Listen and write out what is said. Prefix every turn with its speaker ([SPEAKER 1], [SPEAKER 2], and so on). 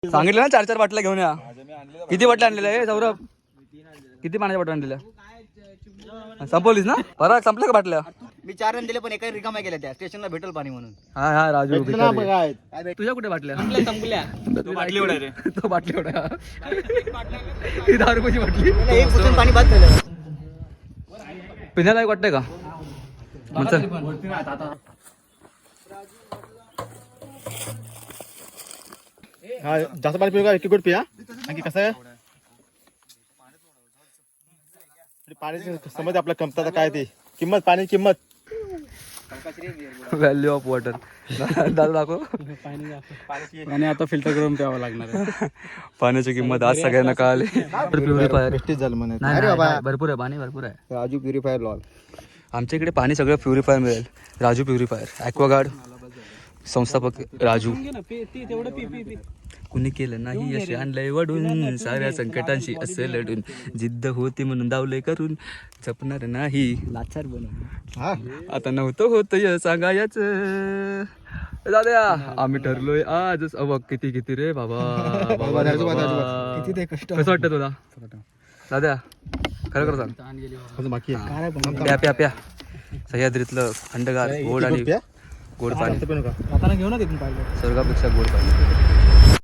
[SPEAKER 1] सांगितलं ना 4-4 बाटल्या घेऊन या. किती बाटल्या आणलेल्या आहे सौरभ? किती पाण्याच्या बाटल्या आणलेल्या? संपवलीस ना? परत संपल्या का बाटल्या?
[SPEAKER 2] मी 4 रन दिले पण एका रिकामा गेल्या त्या स्टेशनला भेटल पाणी म्हणून.
[SPEAKER 1] हा हा राजू भिकारी. तुझ्या कुठे बाटल्या?
[SPEAKER 2] संपल्या.
[SPEAKER 1] तो बाटली एवढा रे. तो बाटली एवढा. ही 10 रुपयाची बाटली.
[SPEAKER 2] एक पुसून पाणी बाद झालं.
[SPEAKER 1] पिण्याला एक वाटतंय का?
[SPEAKER 3] हा जास्त पाणी पिऊ का? एक गुड पिया. आणखी कसं आहे पाणी समज आपल्या कमतरता काय ती किंमत पाणी किंमत
[SPEAKER 1] व्हॅल्यू ऑफ वॉटर. दादा दाखव.
[SPEAKER 4] आणि आता फिल्टर करून प्यावं लागणार आहे.
[SPEAKER 1] पाण्याची किंमत आज सगळ्यांना कळाली. प्युरिफायर
[SPEAKER 3] वेस्टेज झालं म्हणे.
[SPEAKER 1] भरपूर आहे पाणी, भरपूर आहे.
[SPEAKER 2] राजू प्युरिफायर लॉल.
[SPEAKER 1] आमच्या इकडे पाणी सगळं प्युरिफायर मिळेल. राजू प्युरिफायर ॲक्वागार्ड संस्थापक राजू. कुणी केलं नाही असे आणलंय वडून, साऱ्या संकटांशी असं लढून, जिद्द होती म्हणून दावले करून, जपणार नाही
[SPEAKER 2] लाचार बनव.
[SPEAKER 1] आता नव्हतं होतं सांगायच. दादा आम्ही ठरलोय आज. बघ किती किती रे बाबा.
[SPEAKER 2] किती ते कष्ट.
[SPEAKER 1] कसं वाटतं तुला दादा? खरं खरं सांग.
[SPEAKER 3] बाकी
[SPEAKER 1] प्या प्या प्या. सह्याद्रीतलं थंडगार गोड आणि गोड पाणी.
[SPEAKER 2] घेऊ ना तिथून पाहिजे.
[SPEAKER 1] स्वर्गापेक्षा गोड पाणी.